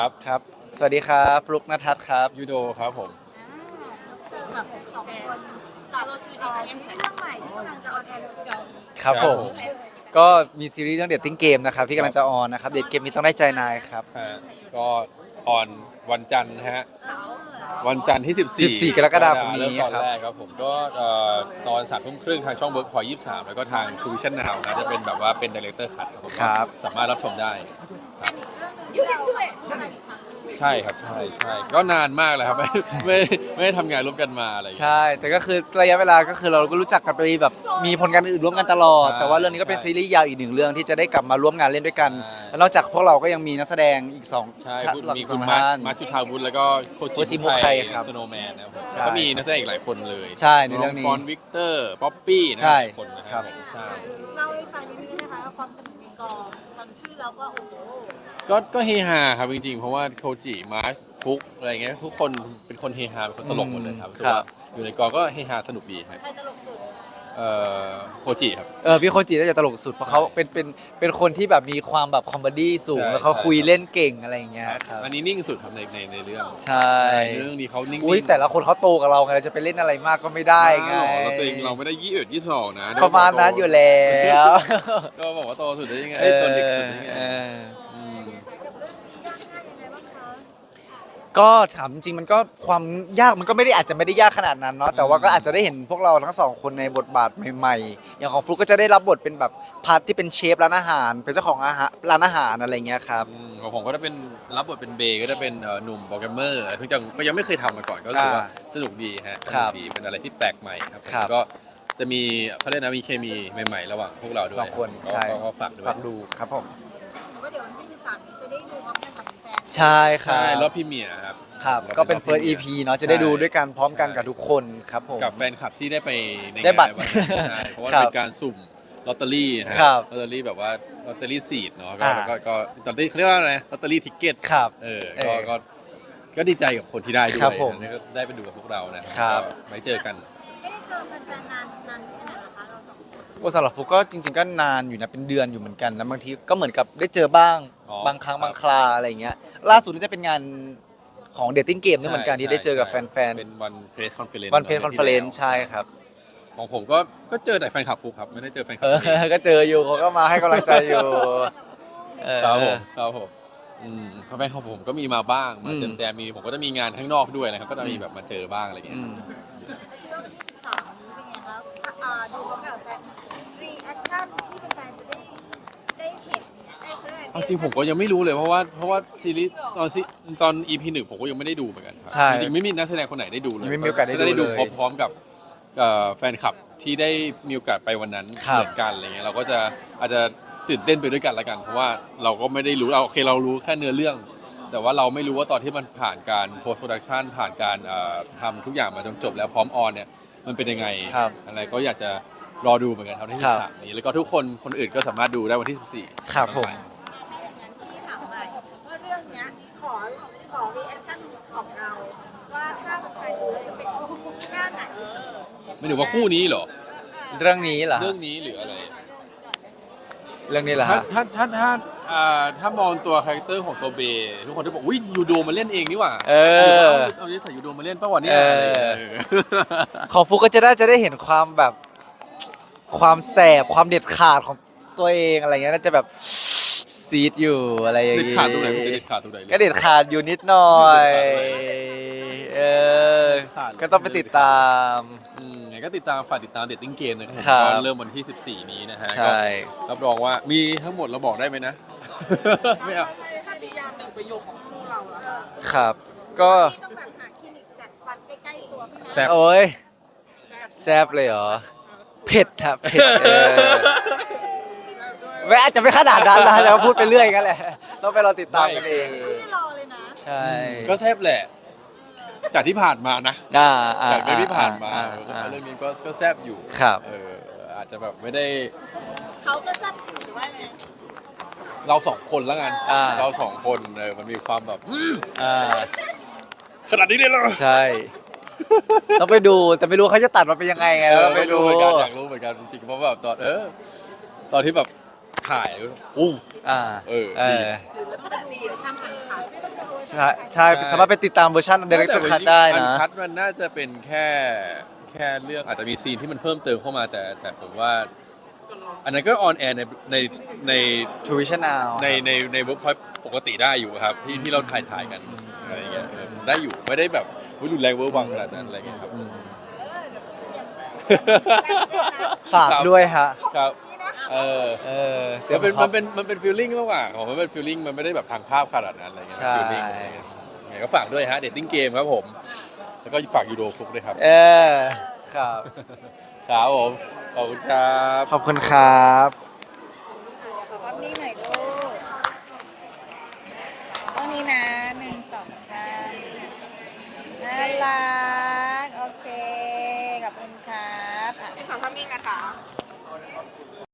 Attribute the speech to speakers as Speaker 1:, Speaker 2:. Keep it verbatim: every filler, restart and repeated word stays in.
Speaker 1: ครับ
Speaker 2: ครับสวัสดีครับฟลุกนทัศน์ครับ
Speaker 1: ยูโดครับผม
Speaker 3: เจอกับสองคนกับเอ่อซีรีส์เรื่องใหม่ที่กำลังจะออนแอร์เร็วๆนี้
Speaker 2: ครับ
Speaker 1: ครับ
Speaker 2: ผม
Speaker 1: ผม
Speaker 2: ก็มีซีรีส์เรื่องเด t ติ้งเกมนะครับที่กำลังจะออนนะครับเด t เกมนี้ต้องได้ใจนายครับ
Speaker 1: ฮะก็ออนวันจันทร์นะฮะวันจันทร์ที่ สิบสี่
Speaker 2: สิบสี่กรกฎาคมนี้
Speaker 1: เริ่ตอน
Speaker 2: ครับ
Speaker 1: แรกครับผมก็เอ่อตอนสามทุ่มครึ่งทางช่องเวิร์กพอยยี่สิบสามแล้วก็ทางทูวิชั่นนาวนะจะเป็นแบบว่าเป็นดีเลกเตอร์คัทครับผม
Speaker 2: ครับ
Speaker 1: สามารถรับชมได้ครับ
Speaker 3: เรื่องหนึงที่เราทำงานอีกครั้งหนึ่ง
Speaker 1: ใช่ครับใช่ใช่ก็นานมากเลยครับ ไม่ไม่ไม่ได้ทำงานร่วมกันมาอะไรอย่างเงี้ย
Speaker 2: ใช่ แต่ก็คือระยะเวลาก็คือเราก็รู้จักกันไปแบบมีผลงานอื่นร่วมกันตลอด
Speaker 1: ใช่
Speaker 2: แต่ว่าเรื่องนี้ก็เป็น
Speaker 1: ใช่
Speaker 2: ซีรีส์ยาวอีกหนึ่งเรื่องที่จะได้กลับมาร่วมงานเล่นด้วยกัน
Speaker 1: ใช่
Speaker 2: แล้วนอกจากพวกเราก็ยังมีนักแสดงอีกสอง
Speaker 1: ใช่
Speaker 2: ท่าน
Speaker 1: คุณ
Speaker 2: หลัก
Speaker 1: มี
Speaker 2: ส
Speaker 1: คุ
Speaker 2: อ
Speaker 1: ณ
Speaker 2: ง
Speaker 1: มาร์ค
Speaker 2: ท่าน
Speaker 1: มาร์คจุธาวุฒิแล้วก็โค
Speaker 2: โค
Speaker 1: จิ
Speaker 2: จิ
Speaker 1: มุ
Speaker 2: มุ
Speaker 1: ไค
Speaker 2: ไคครับ
Speaker 1: สโนว์แมนนะครับผม
Speaker 2: ใช่
Speaker 1: แล้วก็มีนักแสดงอีกหลายคนเลย
Speaker 2: ใช่ในเรื่องนี้
Speaker 1: ฟอนวิกเตอร์ป๊อปปี้นะ
Speaker 2: ใช่
Speaker 1: หลายคนนะค
Speaker 2: ครั
Speaker 1: รับบ ผมใช่
Speaker 3: เล่าให้ฟังนิดนึงได้ไหมคะว่าความสนุกในกองตอนที่เราก็โอ้โห
Speaker 1: ก็ก็เฮฮาครับจริงๆ เพราะว่าโคจิมาร์คฟุกอะไรเงี้ยทุกคนเป็นคนเฮฮาเป็นคนตลกหมดเลยครับ
Speaker 2: อืม
Speaker 1: ถือว่าอยู่ในกองก็เฮฮาสนุกดีครับ
Speaker 3: ใครตลกสุด
Speaker 1: เอ่อโคจิครับ
Speaker 2: เออพี่โคจิน่าจะตลกสุดเพราะเขาเป็นเป็นเป็นคนที่แบบมีความแบบคอมเมดี้สูง
Speaker 1: ใช่
Speaker 2: แล้วเขา
Speaker 1: ใช่
Speaker 2: คุยเล่นเก่งอะไรอย่างเงี้ยครับ
Speaker 1: อันนี้นิ่งสุดครับในในในเรื่อง
Speaker 2: ใช่
Speaker 1: ในเรื่องนี้เขานิ่งๆ
Speaker 2: อุ้ยแต่ละคนเขาโตกับเราไงเราจะไปเล่นอะไรมากก็ไม่ได้ไง
Speaker 1: บ้าเหรอเราตัวเองเราไม่ได้ยี่สิบเอ็ดยี่สิบสองนะ
Speaker 2: ประมาณนั้นอยู่แล้ว
Speaker 1: ก็บอกว่าโตสุดได้ยังไงเอ้ยตัวเด็กสุดได้ยังไง
Speaker 2: เออ
Speaker 1: ม
Speaker 3: กับเรื่องนี้ยากง่ายยังไงบ้างคะ
Speaker 2: ก็ถามจริงมันก็ความยากมันก็ไม่ได้อาจจะไม่ได้ยากขนาดนั้นเนาะแต่ว่าก็อาจจะได้เห็นพวกเราทั้งสองคนในบทบาทใหม่ๆ อย่างของฟลุกก็จะได้รับบทเป็นแบบพาร์ทที่เป็นเชฟร้านอาหาร เป็นเจ้าของอาหารร้านอาหารอะไรเงี้ยครับ
Speaker 1: อืมของผมก็จะเป็นรับบทเป็นเบย์ก็จะเป็นเอ่อหนุ่มโปรแกรมเมอร์อะไรเพิ่งจะก็ยังไม่เคยทำมาก่อนก็รู้สึกว่า
Speaker 2: อ่า
Speaker 1: สนุกดีฮะส
Speaker 2: ครั
Speaker 1: นุ
Speaker 2: บ
Speaker 1: กดีเป็นอะไรที่แปลกใหม่ครับ
Speaker 2: ครับ
Speaker 1: แล้วก็จะมีเขาเรียกนะมีเคมีใหม่ๆ ระหว่างพวกเราด้วย
Speaker 2: สองคน
Speaker 1: ก็
Speaker 2: ใช่
Speaker 1: ก็ก็ฝากด้วย
Speaker 2: ฝากดูครับผม
Speaker 3: แต่ว่าเดี๋ยววันที่สิบสามนี้จะได้ดูพร้อมกันกับแฟน
Speaker 2: ใช่ครั
Speaker 1: ใช่
Speaker 2: บ
Speaker 1: รอบพรีเมียร์ครับ
Speaker 2: ครับ
Speaker 1: รา
Speaker 2: ก็เป็น
Speaker 1: รอบ
Speaker 2: เฟิร์ส อี
Speaker 1: พรีมีย
Speaker 2: พี เนาะจะได้ดูด้วยกันพร้อมกัน
Speaker 1: ใช่
Speaker 2: กับทุกคนครับผม
Speaker 1: กับแฟนคลับที่ได้ไปใน
Speaker 2: ได้บัตร
Speaker 1: งานวันนั้นใช่เพราะว่า
Speaker 2: ครับ
Speaker 1: เป็นการสุ่มลอตเตอรี่ฮะ
Speaker 2: ครับ
Speaker 1: ลอตเตอรี่แบบว่าลอตเตอรี่ซีดเนาะก็
Speaker 2: อ่า
Speaker 1: ก็ก็ลอตเตอรี่เขาเรียกว่าอะไรลอตเตอรี่ทิกเก็ต
Speaker 2: ครับ
Speaker 1: เออ
Speaker 2: เอ
Speaker 1: ก็
Speaker 2: อ
Speaker 1: ก็ ก็ดีใจกับคนที่ได้ด้วย
Speaker 2: ครับผม
Speaker 1: นะก็ได้ไปดูกับพวกเรานะครับ ก็ไว้เจอกัน
Speaker 3: ๆไม่ได้เจอแฟนๆนานนานแค่ไหนละคะเราสองคน
Speaker 2: โอ้สำหรับฟุกก็จริง ๆ ก็นานอยู่นะเป็นเดือนอยู่เหมือนกันแล้วบางทีก็เหมือนกับได้เจอบ้าง
Speaker 1: อ๋อบ
Speaker 2: างครั้ง
Speaker 1: ครับ
Speaker 2: บางคราอะไรอย่างเงี้ยล่าสุดนี่จะเป็นงานของเดทติ้งเกมด้วยเหมือนกันที่ได้เจอกับแฟน
Speaker 1: เป็นวันเพรสคอนเฟอเรนซ์
Speaker 2: ๆวันเพลคอนเฟอเรนซ์ใช่ครับ
Speaker 1: ของผมก็ก็เจอแต่แฟนคลับฟุกครับ ไม่ได้เจอแฟนคลั
Speaker 2: เอบ อ ก็เจออยู่เขาก็มาให้กำลังใจอยู่เออ
Speaker 1: ครับผมครับผมอืมเพราะแฟนของผมก็มีมาบ้างมา
Speaker 2: อืม
Speaker 1: เจอแจมมีผมก็จะมีงานข้างนอกด้วยนะครับ ก็จะมีแบบมาเจอบ้างอะไรเงี้
Speaker 2: อื
Speaker 1: ย
Speaker 2: ม
Speaker 3: เรื่องที่สิบสามนี้เป็นไงครับอ่าดูพร้อมกับแฟนรีแอคชั่นที่แฟนๆจะได้ได้เห็นได้เขาเรียกอะไร
Speaker 1: เอาจริงผมก็ยังไม่รู้เลยเพราะว่าเพราะว่าซีรีส์ตอนซีตอน อี พี หนึ่งผมก็ยังไม่ได้ดูเหมือนกันครับ
Speaker 2: ใช่
Speaker 1: จริงๆไม่มีนักแสดงคนไหนได้ดูเลย
Speaker 2: ไม่มีโอกาสได้ดู
Speaker 1: ได้ดู
Speaker 2: เลย
Speaker 1: พร้อมๆกับเอ่อแฟนคลับที่ได้มีโอกาสไปวันนั้น
Speaker 2: ครับ
Speaker 1: เหมือนกันอะไรเงี้ยเราก็จะอาจจะตื่นเต้นไปด้วยกันละกัน เพราะว่าเราก็ไม่ได้รู้เราโอเคเรารู้แค่เนื้อเรื่อง แต่ว่าเราไม่รู้ว่าตอนที่มันผ่านการ post production ผ่านการเอ่อทำทุกอย่างมาจนจบแล้วพร้อมออนเนี่ยมันเป็นยังไง
Speaker 2: ครับ
Speaker 1: อะไรก็อยากจะรอดูเหมือนกันครับที่
Speaker 2: ครั
Speaker 1: สิ
Speaker 2: บ
Speaker 1: บสามนี้แล้วก็ทุกคนคนอื่นก็สามารถดูได้วันที่สิบสี่
Speaker 2: ครับผม
Speaker 3: ที่ถามไปว่าเรื่องเนี้ยขอขอรีแอคชั่นของเรา ว่าถ้าใครดูแล้วจะเป็นโอ้โหหน้าไหน
Speaker 1: ไม่ถึงว่าคู่นี้เหรอ
Speaker 2: เรื่องนี้เหรอ
Speaker 1: เรื่องนี้หรืออะไร
Speaker 2: เรื่องนี้เหรอ
Speaker 1: ถ้า
Speaker 2: ฮะ
Speaker 1: ถ้าถ้าถ้าอ่าถ้ามองตัวคาแรคเตอร์ของตัวเบย์ทุกคนจะบอกอุ้ยยูโดมาเล่นเองนี่หว่า
Speaker 2: เออ
Speaker 1: เอาเอาเอาใส่ยูโดมาเล่นป้าวันนี้
Speaker 2: เอออ
Speaker 1: อะไรอย่างเงี้ย
Speaker 2: ของฟุกก็จะได้จะได้เห็นความแบบความแสบความเด็ดขาดของตัวเองอะไรเงี้ยน่าจะแบบซีดอยู่อะไรอย่าง
Speaker 1: เด็ด
Speaker 2: งี้
Speaker 1: ขาดตรงไหนมันจะเด็ดขาดตรงไหนเลย
Speaker 2: ก็เด็ดขาดอยู่นิดหน่อย เออ
Speaker 1: ขาด
Speaker 2: ก็ต้องไปติดตาม
Speaker 1: อืมไงก็ติดตามฝากติดตามเดตติ้งเกมนะครับ
Speaker 2: ครับ
Speaker 1: ก็เริ่มวันที่สิบสี่นี้นะฮะ
Speaker 2: ใช่
Speaker 1: ก็รับรองว่ามีทั้งหมดเราบอกได้ไหมนะ ไม่เอา
Speaker 3: ถ้ามียามหนึ่งประโยคของคู่เราอะ
Speaker 2: ครับ ก็
Speaker 3: ที่ต้องแบบหาคลินิกจัดฟันใกล้ๆตัว
Speaker 1: แซ่บ
Speaker 2: โอ้ยแซบเลยเหรอ เผ็ดฮะเผ็ดเออไม่อาจจะไม่ขนาดนั้นนะแต่ว่าพูดไปเรื่อยกันแหละ ต้องไปรอติดตามกันเอง
Speaker 3: ไม่รอเลยนะ
Speaker 2: ใช่
Speaker 1: ก็แซ่บแหละ จากที่ผ่านมานะ
Speaker 2: อ่าอ่า
Speaker 1: จากเรื่องที่ผ่านมา
Speaker 2: อ่อ่า
Speaker 1: เรื่องนี้ก็ก็แซ่บอยู่
Speaker 2: ครับ
Speaker 1: เอออาจจะแบบไม่ได้
Speaker 3: เขาก็จัดอยู่หรือว่าไง
Speaker 1: เราสองคนแล้วกัน
Speaker 2: อ่า
Speaker 1: เราสองคนเออมันมีความแบบ
Speaker 2: อ่า
Speaker 1: ขนาดนี้เลยเหรอ
Speaker 2: ใช่ ต้องไปดูแต่ไม่รู้เขาจะตัดมาเป็นยังไงไง
Speaker 1: เอ
Speaker 2: เรา
Speaker 1: อ
Speaker 2: ต้องไป
Speaker 1: ไม่
Speaker 2: ดู
Speaker 1: รู้เหมือนกันอยากรู้เหมือนกันจริงๆเพราะแบบตอนเออ ตอนที่แบบถ่ายอู้
Speaker 2: อ่า
Speaker 1: เออ
Speaker 2: เอ
Speaker 1: ดี
Speaker 2: อ
Speaker 3: หรือแล้วมันดีทำหันขา
Speaker 2: ใช่ใช่สามารถไปติดตามเวอร์ชันเดเรคเตอร์คัทได้
Speaker 1: อั
Speaker 2: นะ
Speaker 1: คัดมันน่าจะเป็นแค่แค่เรื่องอาจจะมีซีนที่มันเพิ่มเติมเข้ามาแต่แต่ผมว่า อันนั้นก็ออนแอร์ในในใน
Speaker 2: ทูวิชั่นนาว
Speaker 1: ในในในเวิร์กพอยต์ปกติได้อยู่ครับที่ที่เราถ่ายถ่ายกันอะไรอย่างเงี้ยเออได้อยู่ไม่ได้แบบวิรุนแรงเวอร์วังขนาดนั้นอะไรอย่างเงี้ยครับ
Speaker 3: เออเดี๋ยวพี่เตรียมแต่งด้วยนะ
Speaker 2: ฝากด้วยฮะ
Speaker 1: ครับเออ
Speaker 2: เออ
Speaker 1: มันเป็นมันเป็นมันเป็นฟีลลิ่งมากกว่าของมันเป็นฟีลลิ่งมันไม่ได้แบบทางภาพขนาดนั้นอะไรอย่างเงี้ย
Speaker 2: ใช่
Speaker 1: ฟีลลิ่งไงก็ฝากด้วยฮะเดทติ้งเกมครับผม แล้วก็ฝากยูโดฟุกด้วยครับ
Speaker 2: เออครับ
Speaker 1: ครับผมขอบคุณครับ
Speaker 2: ขอบคุณครับ
Speaker 3: ขอภาพนี้หน่อยลูกตรงนี้นะหนึ่งสองสามน่ารัก โอเค ขอบคุณครับอ่ะ
Speaker 4: ขอภาพนิ่งนะคะ